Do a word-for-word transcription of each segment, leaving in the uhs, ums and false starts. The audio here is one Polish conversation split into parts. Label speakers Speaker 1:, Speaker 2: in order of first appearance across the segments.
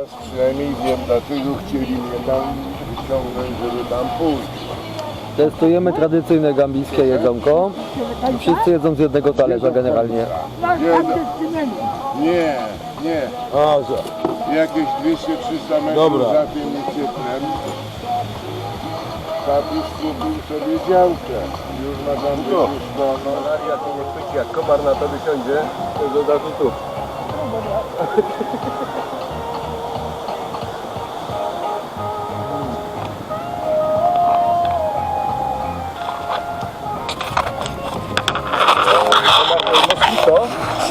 Speaker 1: przynajmniej wiem, dlaczego chcieli mnie tam wyciągnąć, żeby tam pójść.
Speaker 2: Testujemy tradycyjne gambijskie jedzonko. Wszyscy jedzą z jednego talerza generalnie.
Speaker 1: Nie, nie.
Speaker 3: A, że...
Speaker 1: Jakieś dwieście trzysta metrów
Speaker 3: Dobra.
Speaker 1: za tym uciekłem. Tatuś kupił sobie działkę. Już ma tam być
Speaker 3: No.
Speaker 1: już wolno.
Speaker 3: Maria, ty nie chwyci, jak komar na tobie siądzie, to od razu tu. Komar to jest moskito.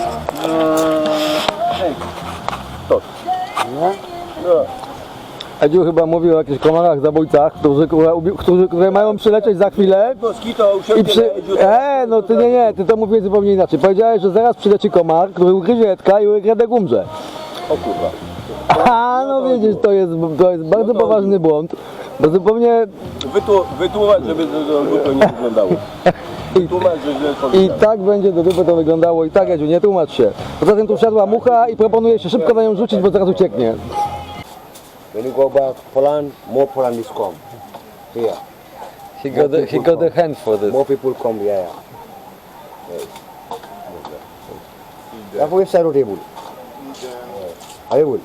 Speaker 3: Hej, to.
Speaker 2: No.
Speaker 3: No.
Speaker 2: Edziu chyba mówił o jakichś komarach zabójcach, którzy, którzy, które mają przylecieć za chwilę.
Speaker 3: Moskito
Speaker 2: I
Speaker 3: usiądzie
Speaker 2: przy...
Speaker 3: na Edziu.
Speaker 2: E, no ty nie, nie, ty to mówiłeś zupełnie inaczej. Powiedziałeś, że zaraz przyleci komar, który ugryzie Edka i Edek umrze.
Speaker 3: O kurwa.
Speaker 2: A, no widzisz, to jest, to jest bardzo poważny błąd, bo zupełnie
Speaker 3: Wytłu- Wytłumacz, żeby to, to głupio nie wyglądało. Wytłumacz, że źle
Speaker 2: i
Speaker 3: powiedziałem.
Speaker 2: tak będzie do dupy to wyglądało i tak, Edziu, nie tłumacz się. Poza tym tu wsiadła mucha i proponuję się szybko na nią rzucić, bo zaraz ucieknie.
Speaker 4: When you go back Poland, more Poland is come. Here.
Speaker 2: He got the, he got the hand for this.
Speaker 4: More people come, yeah, yeah. Yes. That's why side table. I will.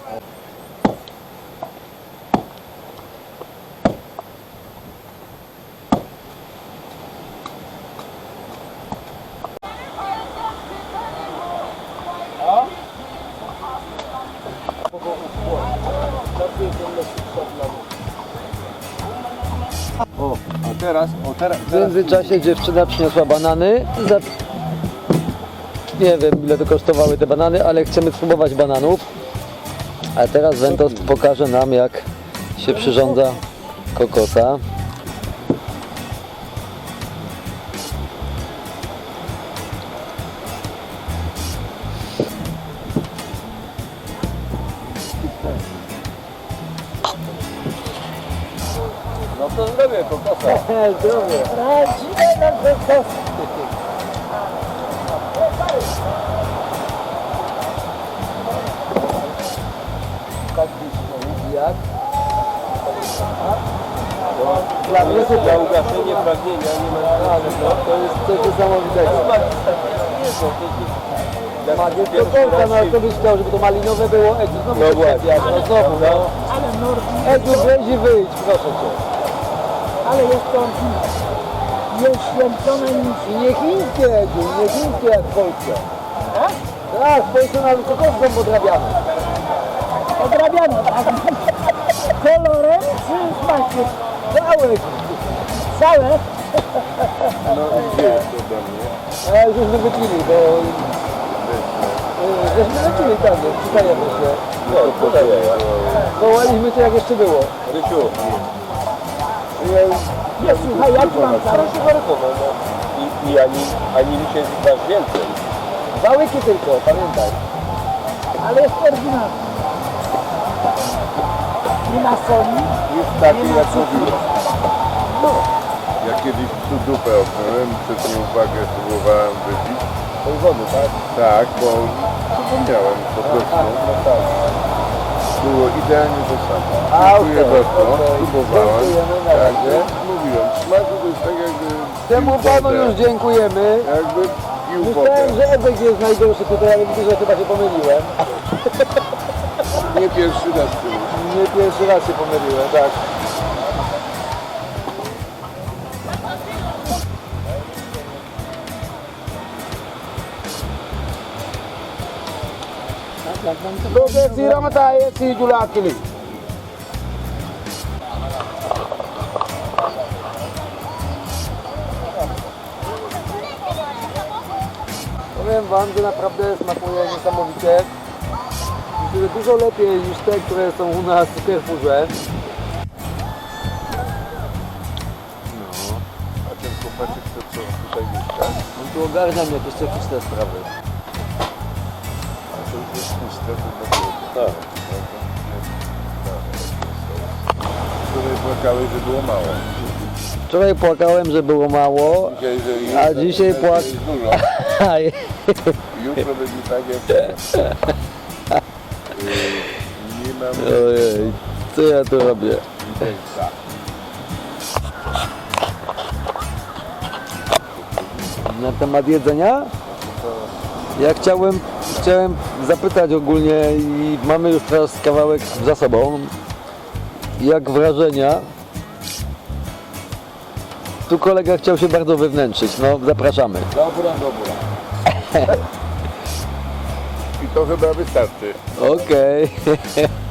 Speaker 3: O, a teraz, o teraz,
Speaker 2: W międzyczasie dziewczyna przyniosła banany. Za... Nie wiem, ile to kosztowały te banany, ale chcemy spróbować bananów. A teraz Ventos pokaże nam, jak się przyrządza kokosa.
Speaker 3: no to zrobię kokosa.
Speaker 2: Zdrowie. Jak?
Speaker 3: Dla mnie to dla ugaszenia pragnienia nie ma
Speaker 2: Ale no, to jest coś niesamowitego. Magię to kolka, no ale to byś chciał, żeby to malinowe było. Edziu, znowu
Speaker 3: No
Speaker 2: się
Speaker 3: właśnie.
Speaker 2: czepiasz, no znowu, no. Edziu, weź i wyjdź, proszę cię.
Speaker 5: Ale jest to nieświęcone nic.
Speaker 2: I nie chińskie, Edziu, nie chińskie jak w Polsce. Tak, w Polsce nawet kokoską podrabiamy.
Speaker 5: Odrabiane, tak? Kolorem czy smakiem?
Speaker 2: Całe.
Speaker 5: Całe?
Speaker 1: No i gdzie jest ode mnie?
Speaker 2: A już żeśmy wypili, bo... e, Żeśmy wypili tam, przydajemy się.
Speaker 3: No, podaję.
Speaker 2: Wołaliśmy cię jak jeszcze było.
Speaker 3: Rysiu,
Speaker 5: Nie, słuchaj, jak mam
Speaker 3: ale
Speaker 5: całe?
Speaker 3: się warykował, no. I, i ani, ani mi się dasz więcej.
Speaker 2: Dwa łyki tylko, pamiętaj.
Speaker 5: Ale jest oryginalny. Nie ma soli.
Speaker 1: Jest taki jak mówiłem. Ja kiedyś tu dupę opnąłem, przez nieuwagę próbowałem wypić.
Speaker 3: Tej wody, tak?
Speaker 1: Tak, bo zapomniałem po prostu.
Speaker 2: No tak.
Speaker 1: Było idealnie to samo.
Speaker 2: A,
Speaker 1: Dziękuję
Speaker 2: okej,
Speaker 1: bardzo,
Speaker 2: okej.
Speaker 1: próbowałem.
Speaker 2: Dziękujemy na
Speaker 1: Tak,
Speaker 2: razie.
Speaker 1: jak mówiłem, w smaku to jest tak jakby...
Speaker 2: Temu
Speaker 1: pił
Speaker 2: panu
Speaker 1: wodę.
Speaker 2: już dziękujemy.
Speaker 1: Jakby pił wodę.
Speaker 2: Myślałem, że Edek jest najgorszy tutaj, ale widzę, że chyba się pomyliłem.
Speaker 1: Nie pierwszy raz był.
Speaker 2: Nie pierwszy raz się pomyliłem, tak.
Speaker 4: Doge sira mata ye si jula kili.
Speaker 2: Powiem wam, że naprawdę smakuje niesamowicie. Myślę, że dużo lepiej niż te, które są u nas w Carrefourze.
Speaker 1: A ten chłopaczek to co tutaj mieszka?
Speaker 2: On tu ogarnia mnie jakieś techniczne sprawy.
Speaker 1: A to już jest puste, to na było.
Speaker 3: Tak.
Speaker 1: Wczoraj płakałeś, że było mało.
Speaker 2: Wczoraj płakałem, że było mało,
Speaker 1: Dzisiaj, że
Speaker 2: a
Speaker 1: jest-
Speaker 2: dzisiaj
Speaker 1: jest
Speaker 2: płak...
Speaker 1: dużo. Jutro będzie tak jak... Yy, nie nam
Speaker 2: Ojej, co ja tu robię?
Speaker 1: widelca.
Speaker 2: Na temat jedzenia? Ja chciałem, chciałem zapytać ogólnie i mamy już teraz kawałek za sobą. Jak wrażenia? Tu kolega chciał się bardzo wywnętrzyć, no zapraszamy.
Speaker 3: Dobra, dobra.
Speaker 1: I to chyba wystarczy.
Speaker 2: Okej.